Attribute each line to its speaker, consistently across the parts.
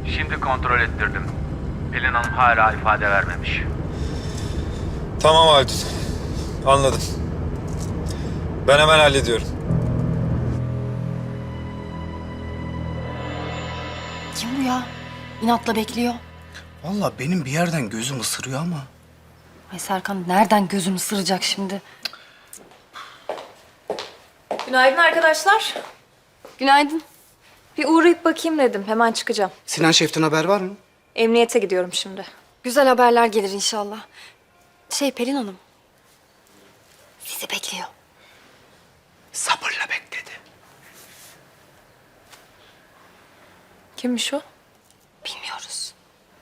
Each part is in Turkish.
Speaker 1: Şimdi kontrol ettirdim. Pelin Hanım hala ifade vermemiş.
Speaker 2: Tamam Haldun. Anladım. Ben hemen hallediyorum.
Speaker 3: Kim bu ya? İnatla bekliyor.
Speaker 4: Vallahi benim bir yerden gözüm ısırıyor ama.
Speaker 3: Ay Serkan nereden gözüm ısıracak şimdi?
Speaker 5: Günaydın arkadaşlar.
Speaker 3: Günaydın.
Speaker 5: Bir uğrayıp bakayım dedim. Hemen çıkacağım.
Speaker 4: Sinan Şef'ten haber var mı?
Speaker 5: Emniyete gidiyorum şimdi.
Speaker 3: Güzel haberler gelir inşallah. Pelin Hanım. Sizi bekliyor.
Speaker 4: Sabırla bekledi.
Speaker 5: Kimmiş o?
Speaker 3: Bilmiyoruz.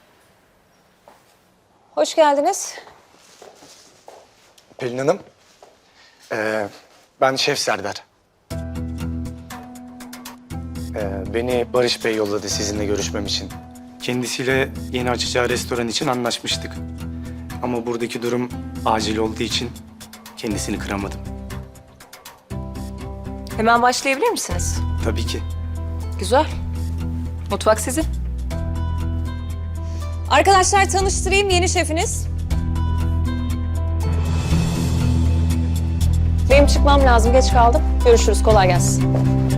Speaker 5: Hoş geldiniz.
Speaker 6: Pelin Hanım, ben Şef Serdar. Beni Barış Bey yolladı sizinle görüşmem için. Kendisiyle yeni açacağı restoran için anlaşmıştık. Ama buradaki durum acil olduğu için kendisini kıramadım.
Speaker 5: Hemen başlayabilir misiniz?
Speaker 6: Tabii ki.
Speaker 5: Güzel. Mutfak sizin. Arkadaşlar tanıştırayım yeni şefiniz. Benim çıkmam lazım. Geç kaldım. Görüşürüz. Kolay gelsin.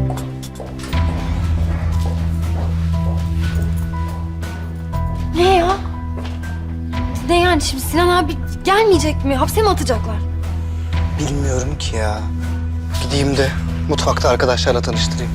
Speaker 3: Ne ya? Ne yani şimdi Sinan abi gelmeyecek mi? Hapse mi atacaklar?
Speaker 4: Bilmiyorum ki ya. Gideyim de mutfakta arkadaşlarla tanıştırayım.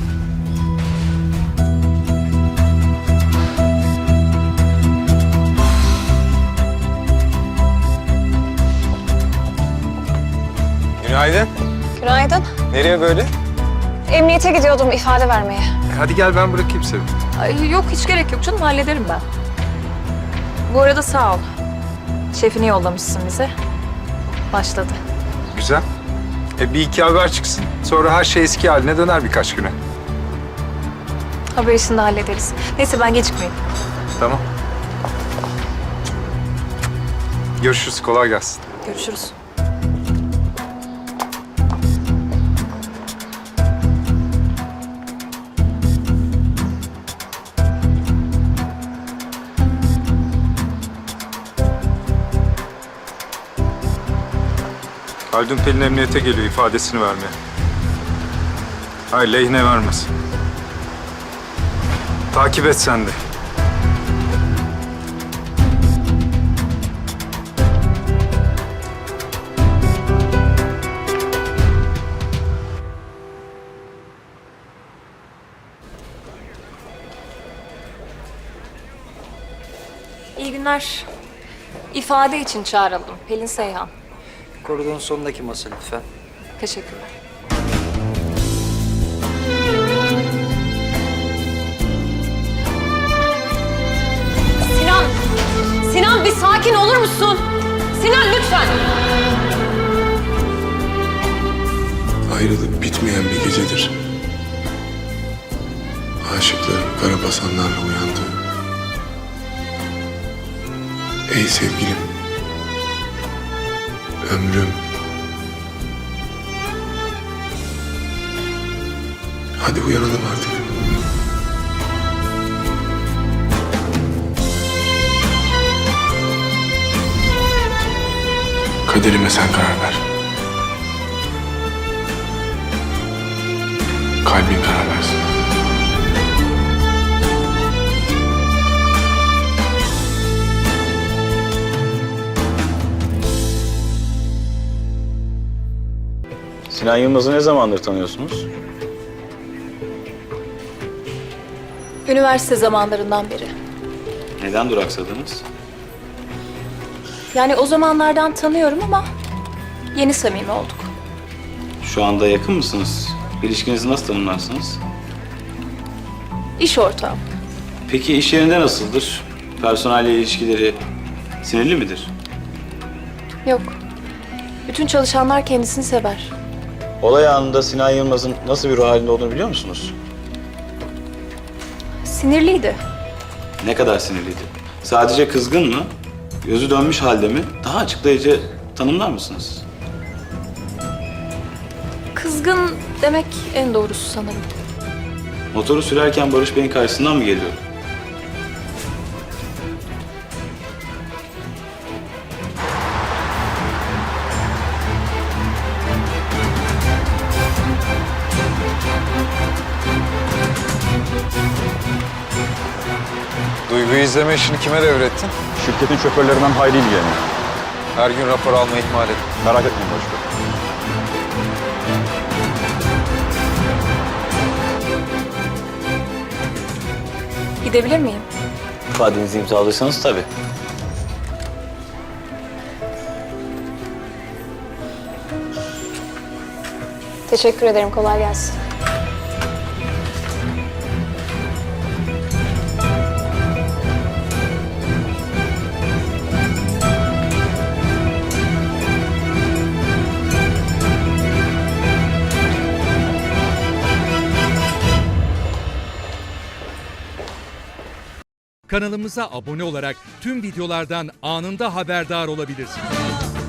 Speaker 2: Günaydın.
Speaker 5: Günaydın.
Speaker 2: Nereye böyle?
Speaker 5: Emniyete gidiyordum ifade vermeye.
Speaker 2: Hadi gel ben bırakayım seni.
Speaker 5: Ay, yok hiç gerek yok canım. Hallederim ben. Bu arada sağ ol. Şefini yollamışsın bize. Başladı.
Speaker 7: Güzel. Bir iki haber çıksın. Sonra her şey eski haline döner birkaç güne.
Speaker 5: Haber işini de hallederiz. Neyse ben gecikmeyeyim.
Speaker 7: Tamam. Görüşürüz. Kolay gelsin.
Speaker 5: Görüşürüz.
Speaker 7: Haldun Pelin emniyete geliyor ifadesini vermeye. Hayır, lehine vermez. Takip et sen de.
Speaker 5: İyi günler. İfade için çağrıldım. Pelin Seyhan.
Speaker 8: Koridorun sonundaki masa lütfen.
Speaker 5: Teşekkürler. Sinan! Sinan bir sakin olur musun? Sinan lütfen!
Speaker 9: Ayrılıp bitmeyen bir gecedir. Aşıkların karabasanlarla uyandığı. Ey sevgilim, ömrüm. Hadi uyanalım artık. Kaderime sen karar ver. Kalbin karar versin.
Speaker 10: Sinan Yılmaz'ı ne zamandır tanıyorsunuz?
Speaker 5: Üniversite zamanlarından beri.
Speaker 10: Neden duraksadınız?
Speaker 5: Yani o zamanlardan tanıyorum ama yeni samimi olduk.
Speaker 10: Şu anda yakın mısınız? İlişkinizi nasıl tanımlarsınız?
Speaker 5: İş ortağım.
Speaker 10: Peki iş yerinde nasıldır? Personelle ilişkileri sinirli midir?
Speaker 5: Yok. Bütün çalışanlar kendisini sever.
Speaker 10: Olay anında Sinan Yılmaz'ın nasıl bir ruh halinde olduğunu biliyor musunuz?
Speaker 5: Sinirliydi.
Speaker 10: Ne kadar sinirliydi? Sadece kızgın mı? Gözü dönmüş halde mi? Daha açıklayıcı tanımlar mısınız?
Speaker 5: Kızgın demek en doğrusu sanırım.
Speaker 10: Motoru sürerken Barış Bey'in karşısından mı geliyor?
Speaker 2: Duygu'yu izleme işini kime devrettin?
Speaker 11: Şirketin şoförlerinden Hayri ilgileniyor.
Speaker 2: Her gün rapor alma ihmal et.
Speaker 11: Merak etmeyin başkanım.
Speaker 5: Gidebilir miyim?
Speaker 10: İfadenizi imzalarsanız tabii.
Speaker 5: Teşekkür ederim. Kolay gelsin.
Speaker 12: Kanalımıza abone olarak tüm videolardan anında haberdar olabilirsiniz.